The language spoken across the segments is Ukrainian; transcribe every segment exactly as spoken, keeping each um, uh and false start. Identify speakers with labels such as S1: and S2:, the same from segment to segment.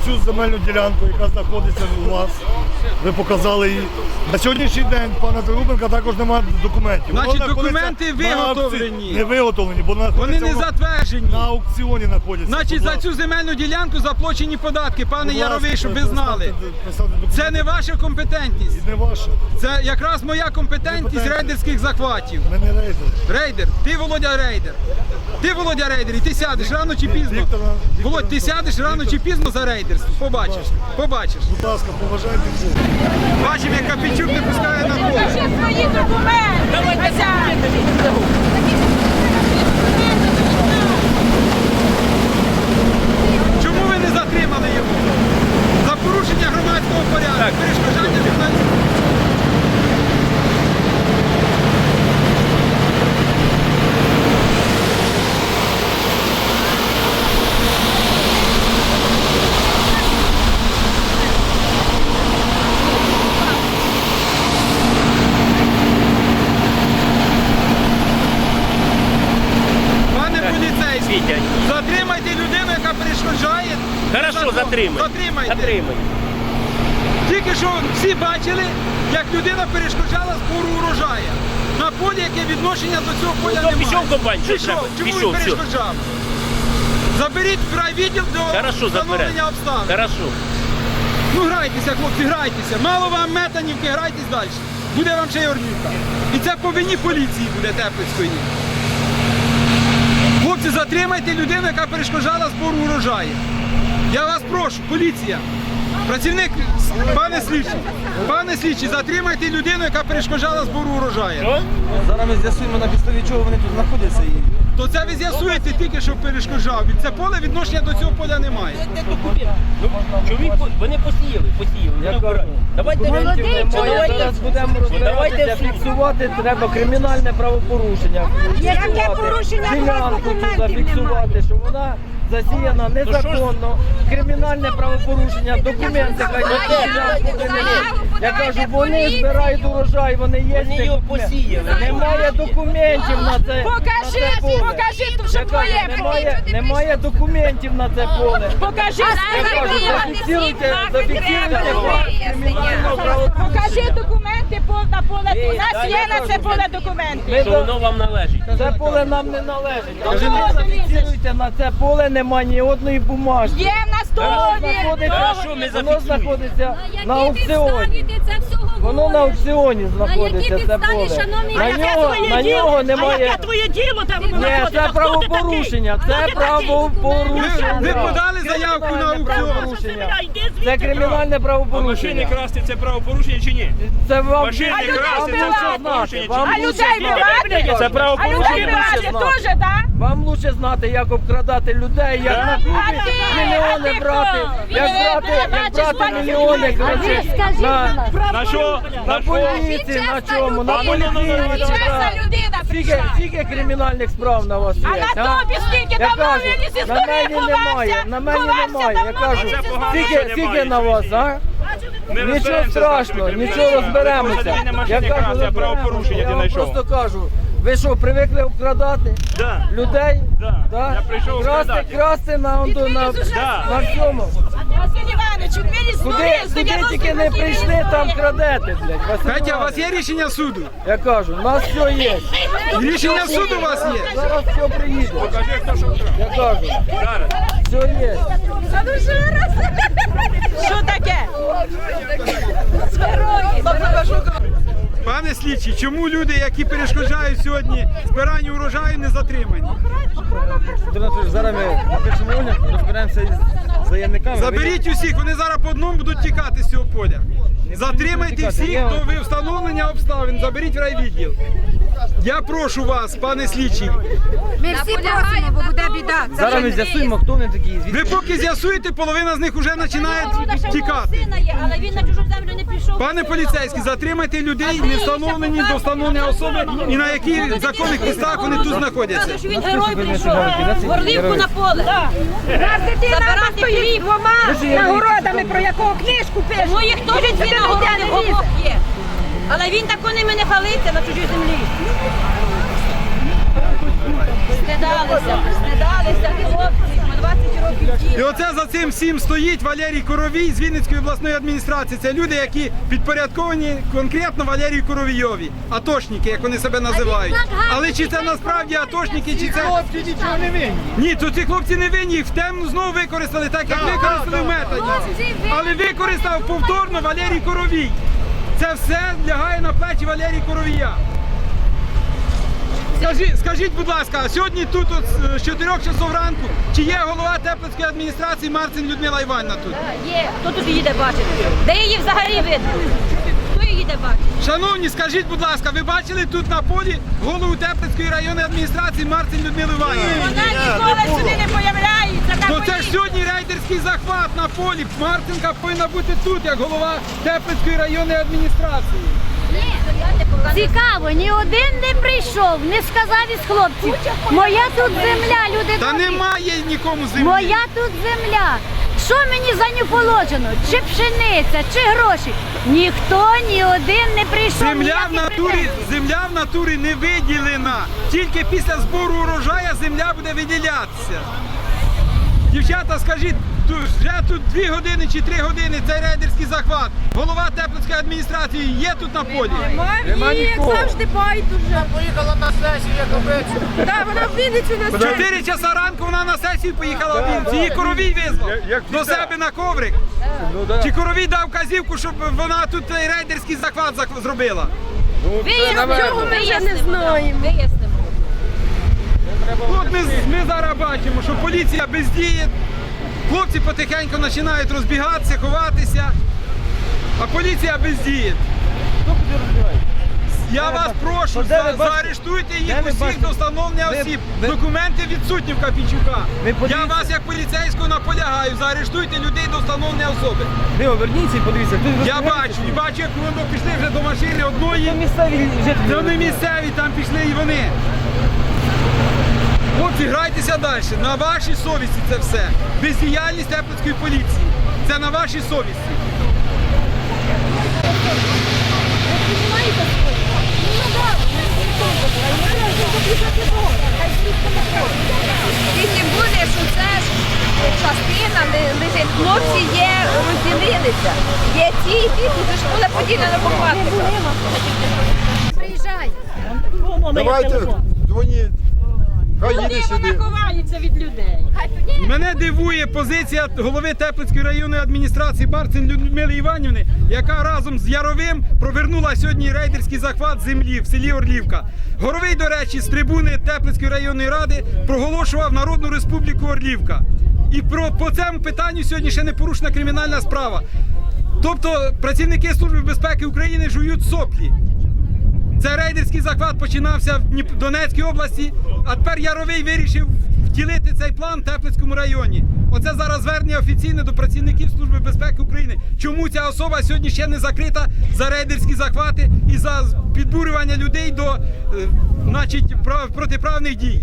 S1: Цю земельну ділянку, яка знаходиться у вас, ви показали її. На сьогоднішній день пана Трубенка також немає документів.
S2: Значить,
S1: Воно
S2: документи
S1: виготовлені.
S2: виготовлені.
S1: Не виготовлені, бо
S2: Вони не затверджені.
S1: на аукціоні знаходяться.
S2: Значить, за цю земельну ділянку заплачені податки, пане Яровий, щоб ви знали. Це не ваша компетентність.
S1: Не ваша.
S2: Це якраз моя компетентність рейдерських захватів.
S1: Ми не рейдер.
S2: Рейдер, ти Володя рейдер. Ти Володя рейдер, і ти сядеш рано чи пізно.
S1: Віктор, Віктор,
S2: Володь, ти сядеш рано чи пізно за рейдерство. Побачиш, побачиш.
S1: Будь ласка, поважайте всіх.
S2: Бачимо, як Капічук не пускає на поле.
S3: Покажи свої документи.
S2: Чому ви не затримали його? За порушення громадського порядку, перешкоджання журналістів. Пане поліцейський, затримайте людину, яка перешкоджає.
S4: Хорошо, затримай.
S2: Затримайте.
S4: Затримай.
S2: Тільки що всі бачили, як людина перешкоджала збору урожаю. На полі, яке відношення до цього поля
S4: Ну,
S2: немає.
S4: пішов комбайн, що
S2: Пішов.
S4: треба?
S2: Чому
S4: Пішов,
S2: він
S4: все.
S2: перешкоджав? Заберіть в райвідділ до
S4: Хорошо, заберемо.
S2: встановлення обставин.
S4: Хорошо.
S2: Ну грайтеся, хлопці, грайтеся. Мало вам метанівки, грайтесь далі. Буде вам ще й Орнівка. І це по вині поліції буде Теплицької. Хлопці, затримайте людину, яка перешкоджала збору урожаю. Я вас прошу, поліція. Працівник, пане слідчий, пане слідчий, затримайте людину, яка перешкоджала збору урожаю.
S5: Зараз ми з'ясуємо, на підставі чого вони тут знаходяться. І...
S2: То це ви з'ясуєте тільки, що перешкоджав. Від це поле відношення до цього поля немає.
S4: Ну, чоловік, по- вони посіяли, посіяли.
S5: Я
S4: вони
S5: кажу,
S4: вбирають. Давайте
S5: документів
S4: давайте,
S5: немає, зараз будемо розбиратися, фіксувати треба кримінальне правопорушення.
S3: Яке
S5: Фіксувати
S3: порушення?
S5: ділянку тут
S3: Документів
S5: зафіксувати, що вона засіяна незаконно, кримінальне правопорушення, документи хай на цю ділянку винесуть. Я кажу, вони збирають урожай, вони є.
S4: Вони
S5: ці
S4: його
S5: документи.
S4: посіяли.
S5: Немає документів на це.
S3: Покажи,
S5: на це поле.
S3: покажи,
S5: Я
S3: що
S5: кажу,
S3: твоє.
S5: немає, немає документів на це поле.
S3: Покажи,
S5: Я кажу, зафіксуйте, зафіксуйте факт кримінального правопорушення.
S3: Покажи документи по- на поле. У нас
S5: да,
S3: є
S5: я
S3: на
S5: кажу,
S3: це поле документи.
S5: Ми
S4: що воно вам належить.
S5: Це поле нам не належить.
S3: Ну,
S5: Ви
S3: чого
S5: не
S3: ти
S5: зафіксуйте, на це поле немає ні одної бумажки.
S3: Є в нас
S5: Воно
S3: договір.
S5: знаходиться,
S4: Хорошо, ми
S5: воно
S4: зафіксуємо.
S5: знаходиться на
S6: На
S5: аукціоні.
S6: це всього
S5: Воно на аукціоні
S6: якій
S5: знаходиться, це
S6: підставі,
S5: поле.
S6: шановний?
S5: На
S6: А яке
S5: нього, на нього немає...
S7: Яке твоє діло там
S5: Ні,
S7: знаходиться?
S5: це
S7: Хто ти
S5: правопорушення,
S7: такий?
S5: це
S7: Хто ти такий?
S2: Ви,
S5: правопорушення.
S2: ви подали заявку на аукціон.
S5: Правопорушення.
S7: Йди звідти.
S5: Це кримінальне правопорушення.
S8: красти це правопорушення чи ні?
S5: Це вам
S8: Машини
S5: вам
S8: красти
S5: лучше
S8: це
S5: знати.
S8: правопорушення.
S5: Вам
S3: А
S5: лучше
S3: людей
S5: знати.
S3: вбивати?
S8: Це
S3: А
S8: правопорушення.
S3: людей вбивати теж, так?
S5: Вам лучше знати, як обкрадати людей, як на клубі
S3: А ти-
S5: мільйони
S3: а ти
S5: брати,
S3: хто?
S5: як
S3: Ви
S5: брати, як
S3: бачиш,
S5: брати
S3: бачиш,
S5: мільйони,
S3: бачиш.
S5: коротше,
S3: А ви
S5: на,
S8: На що?
S5: на
S8: На що?
S5: поліції, на чому, на поліції.
S3: Чесна людина
S5: Скільки,
S3: прийшла.
S5: скільки кримінальних справ на вас є?
S3: А на тобі скільки?
S5: Я
S3: Давно
S5: кажу,
S3: він із
S5: на
S3: історії
S5: мене немає,
S3: ховався.
S5: на мене
S3: Ховався
S5: немає. Я
S3: давно,
S5: кажу,
S3: він із
S8: Це погано,
S3: історії.
S8: що
S5: скільки, скільки
S8: немає.
S5: на вас, а?
S8: Ми
S5: Нічого
S8: розберемося з
S5: страшного,
S8: нашими
S5: нічого
S8: криміналами.
S5: розберемося.
S8: Це не
S5: Я
S8: машини
S5: кажу,
S8: красти, а правопорушення
S5: я
S8: ти
S5: вам
S8: знайшов.
S5: просто кажу, ви що, привикли обкрадати
S8: Да.
S5: людей?
S8: Да. Я прийшов
S5: красти,
S8: обкрадати.
S5: красти на, на, на,
S8: Да.
S5: на всьому.
S3: Василь Іванович, він із
S5: Куди,
S3: історії, з
S5: куди
S3: дев'яностих
S5: тільки не
S3: років
S5: прийшли,
S3: історії.
S5: там крадете, блядь. Василь
S2: Петя, у
S5: Іванович.
S2: вас є рішення суду?
S5: Я кажу, у нас все є.
S2: Рішення суду у вас є?
S5: Зараз все приїде.
S8: Покажи, хто що вкрав.
S5: Я кажу,
S8: Зараз.
S5: все є.
S3: Що таке?
S2: Пане слідчий, чому люди, які перешкоджають сьогодні збиранню урожаю, не затримані?
S5: Зараз ми напишемо огляд, розберемося із заявниками.
S2: Заберіть усіх, вони зараз по одному будуть тікати з цього поля. Затримайте всіх до встановлення обставин, заберіть в райвідділ. Я прошу вас, пане слідчий,
S6: Ми всі просимо, бо буде біда.
S5: Зараз ми з'ясуємо, хто вони такі. звідки.
S2: ви поки з'ясуєте, половина з них вже починає тікати.
S6: Сина є, але він на чужу землю не пішов.
S2: Пане поліцейський, затримайте людей, не встановлені до встановлення особи і на яких законних підставах вони тут знаходяться.
S6: Що він герой прийшов. Горлівку на поле.
S3: Нас дитина
S6: Забирати
S3: стоїть
S6: хліб.
S3: двома нагородами, про якого книжку пише.
S6: Ну їх теж дві нагороди обох є. Але він тако ними не хвалиться на чужій землі. Стидалися, стидалися, хлопці. двадцять років
S2: І
S6: діла.
S2: оце за цим всім стоїть Валерій Коровій з Вінницької обласної адміністрації. Це люди, які підпорядковані конкретно Валерію Коровійові. Атошники, як вони себе називають. Але чи це насправді атошники, чи це...
S1: Хлопці нічого не винні.
S2: Ні, то ці хлопці не винні, їх в темну знову використали, так як використали в методі. Але використав повторно Валерій Коровій. Це все лягає на плечі Валерія Коровія. Скажіть, скажіть, будь ласка, сьогодні тут от, з чотирьох часов ранку, чи є голова Теплицької адміністрації Марцин Людмила Іванівна тут?
S6: Є. Хто тут її де бачити? Де її взагалі видно? Хто її де бачить?
S2: Шановні, скажіть, будь ласка, ви бачили тут на полі голову Теплицької районної адміністрації Марцин Людмилу Іванівну?
S6: Вона ніколи сюди не появляється.
S2: То це ж сьогодні рейдерський захват на полі. Марцинка повинна бути тут, як голова Теплицької районної адміністрації.
S7: Цікаво, ні один не прийшов, не сказав із хлопців. Моя тут земля, люди
S2: Та
S7: добрі.
S2: немає нікому землі.
S7: Моя тут земля. Що мені за нього положено? Чи пшениця, чи гроші? Ніхто, ні один не прийшов.
S2: Земля в
S7: ніяких
S2: натурі,
S7: претензій.
S2: земля в натурі не виділена. Тільки після збору урожая земля буде виділятися. Дівчата, скажіть, тут, вже тут дві години чи три години цей рейдерський захват. Голова Теплицької адміністрації є тут на полі?
S5: Нема нікого.
S9: Поїхала на сесію, як обичайно.
S3: Так, вона в Вінницю нас
S2: В чотири часа ранку вона на сесію поїхала в Вінницю. Її Коровій визвав до себе на коврик. Чи Коровій дав казівку, щоб вона тут цей рейдерський захват зах- зробила?
S6: Вияснимо.
S3: Цього ми вже не знаємо.
S6: Вияснимо.
S2: От ми, ми зараз бачимо, що поліція бездіє, хлопці потихеньку починають розбігатися, ховатися, а поліція бездіє. Я вас прошу,
S5: де ви
S2: за-
S5: бачите?
S2: заарештуйте їх
S5: Де ви
S2: усіх
S5: бачите?
S2: до встановлення
S5: Ви-
S2: осіб.
S5: ви-
S2: Документи відсутні в Капічука.
S5: Ви
S2: Я
S5: подивіться.
S2: вас як поліцейського наполягаю, заарештуйте людей до встановлення особи.
S5: Ви оберніться і подивіться. Тут
S2: Я
S5: розповідається,
S2: бачу,
S5: що
S2: і бачу, як вони пішли вже до машини
S5: Це
S2: одної.
S5: місцеві жителі.
S2: Це не місцеві, там пішли і вони. Хлопці, грайтеся далі. На вашій совісті це все. Бездіяльність Теплицької поліції. Це на вашій совісті.
S3: І тим більше, що це ж частина ли- лежить. Хлопці є, розділилися. Є ті і ті, тут ж була поділена по класиках.
S7: Приїжджай.
S9: Давайте, дзвоніть. Хай їде
S6: Вона
S9: сюди.
S6: ховається від людей.
S2: Мене дивує позиція голови Теплицької районної адміністрації Марцин Людмили Іванівни, яка разом з Яровим провернула сьогодні рейдерський захват землі в селі Орлівка. Горовий, до речі, з трибуни Теплицької районної ради проголошував Народну Республіку Орлівка. І про, по цьому питанню сьогодні ще не порушена кримінальна справа. Тобто працівники Служби безпеки України жують соплі. Це рейдерський захват починався в Дніп- Донецькій області, а тепер Яровий вирішив втілити цей план в Теплицькому районі. Оце зараз звернення офіційне до працівників Служби безпеки України. Чому ця особа сьогодні ще не закрита за рейдерські захвати і за підбурювання людей до е, значить, прав- протиправних дій?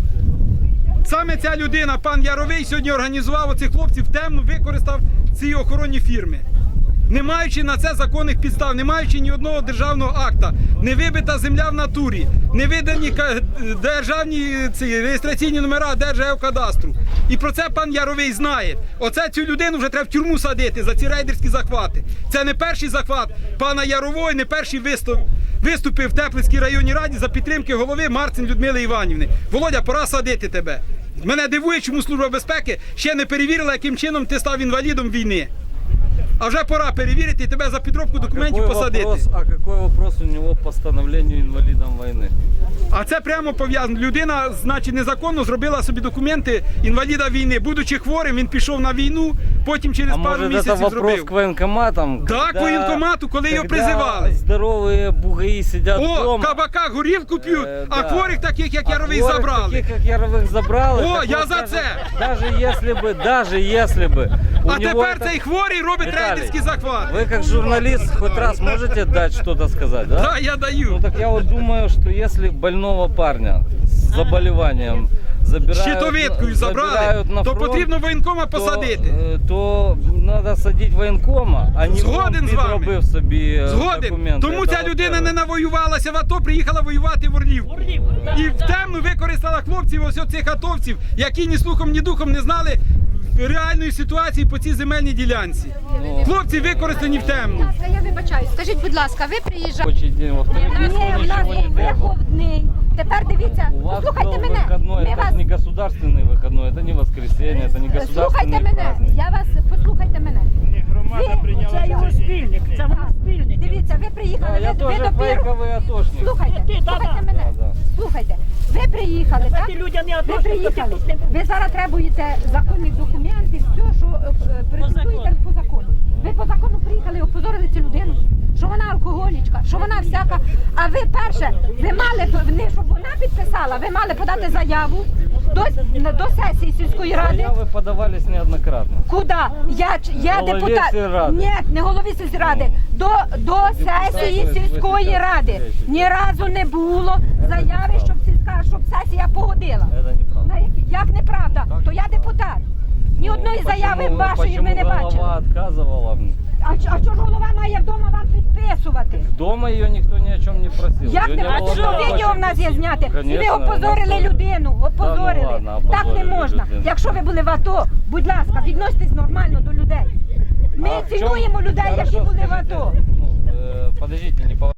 S2: Саме ця людина, пан Яровий, сьогодні організував оцих хлопців темно, використав ці охоронні фірми. Не маючи на це законних підстав, не маючи ні одного державного акта, не вибита земля в натурі, не видані ка- державні ці, реєстраційні номера Держгеокадастру. І про це пан Яровий знає. Оце цю людину вже треба в тюрму садити за ці рейдерські захвати. Це не перший захват пана Ярового, не перший виступ, виступив в Теплицькій районній раді за підтримки голови Марцин Людмили Іванівни. Володя, пора садити тебе. Мене дивує, чому Служба безпеки ще не перевірила, яким чином ти став інвалідом війни. А вже пора перевірити і тебе за підробку документів
S10: Какой
S2: посадити.
S10: вопрос, а какой вопрос у него по становлению инвалидом войны?
S2: А це прямо пов'язано. Людина, значить, незаконно зробила собі документи інваліда війни. Будучи хворим, він пішов на війну, потім через
S10: А
S2: пару
S10: может это
S2: місяців
S10: вопрос
S2: зробив.
S10: к военкоматам?
S2: Да, к воєнкомату, коли його
S10: когда
S2: призивали.
S10: здоровые бугаи сидят
S2: О,
S10: дома.
S2: кабака горілку п'ють,
S10: Е,
S2: а
S10: да.
S2: хворих таких, як
S10: а
S2: Яровий,
S10: хворых
S2: забрали.
S10: Таких, как Яровых забрали.
S2: О,
S10: так
S2: я
S10: вот
S2: за
S10: даже-
S2: це.
S10: Даже если бы, даже если бы. у
S2: А
S10: него
S2: тепер
S10: это-
S2: цей хворий робить
S10: Виталий,
S2: рейдерський захват.
S10: Вы как журналист хоть раз можете дать что-то сказать, да?
S2: Да, я
S10: Ну
S2: даю.
S10: так я вот думаю, что если больного парня с заболеванием забирають,
S2: щитовидкою забрали,
S10: забирають на
S2: то
S10: фронт,
S2: потрібно воєнкома посадити.
S10: То, то треба садити воєнкома, а не
S2: Згоден
S10: він
S2: з вами.
S10: підробив собі е,
S2: Згоден.
S10: документи.
S2: Тому
S10: Це
S2: ця
S10: от
S2: людина
S10: це.
S2: не навоювалася в АТО, приїхала воювати в Орлівку. І в темну використала хлопців, ось цих атовців, які ні слухом, ні духом не знали реальної ситуації по цій земельній ділянці. Хлопці використані в темну.
S3: Я вибачаю. Скажіть, будь ласка, ви приїжджаєте?
S10: Робочий день во вторник
S3: Ні,
S10: никто
S3: в нас
S10: ничего не
S3: був
S10: требовал.
S3: виховний. Тепер дивіться,
S10: У вас
S3: послухайте
S10: был
S3: мене.
S10: выходной,
S3: Ми
S10: это
S3: вас...
S10: же не государственный выходной, это не воскресенье, это не
S3: Слухайте
S10: государственный
S3: мене,
S10: праздник.
S3: я вас, послухайте мене.
S8: Громада прийняла
S6: Це його
S8: рішення.
S6: спільник, це вона спільник.
S3: Дивіться, ви приїхали,
S10: Да, я
S3: ви, ви
S10: тоже
S3: допіру...
S10: фейковый атошник.
S3: Слухайте,
S6: Ти, да,
S3: слухайте
S6: да.
S3: мене,
S10: Да, да.
S3: слухайте. Ви приїхали, так?
S6: Ти людям не
S3: Ви
S6: атошник, то ти
S3: приїхали.
S6: тут не
S3: Ви зараз требуєте законних документів, все, що е, претендуєте по закону. Ви по закону приїхали і опозорили цю людину, що вона алкоголічка, що вона всяка. А ви перше, ви мали, б- не щоб вона підписала, ви мали подати заяву до, до сесії сільської ради.
S10: Заявы подавались неоднократно.
S3: Куди? Я, ч- я
S10: Голові
S3: депутат.
S10: сільради.
S3: Ні, не голові сільради. До, до сесії
S10: Депутати
S3: сільської
S10: висвітляють
S3: ради.
S10: речі.
S3: Ні разу не було заяви, щоб сільська, щоб сесія погодила.
S10: Это неправда.
S3: На які- Як неправда? То я депутат. Ні одної
S10: Почему
S3: заяви
S10: вы-
S3: вашої ми не
S10: почему
S3: бачили.
S10: голова отказывала?
S3: А, ч- а чого ж голова має вдома вам підписувати?
S10: Дома ее никто ни о чем не просил.
S3: Як
S10: Её
S3: не
S10: было
S3: бачу,
S10: на
S3: відео в
S10: вашей
S3: нас є зняте. І ви
S10: Конечно,
S3: опозорили
S10: вона-
S3: людину. Опозорили.
S10: Та ну ладно,
S3: Так не
S10: опозорили
S3: можна.
S10: людину.
S3: Якщо ви були в АТО, будь ласка, відноситесь нормально до людей. Ми
S10: А в чём-
S3: цінуємо людей, які
S10: Хорошо,
S3: були в
S10: скажите,
S3: АТО.
S10: ну, э, подождите, не по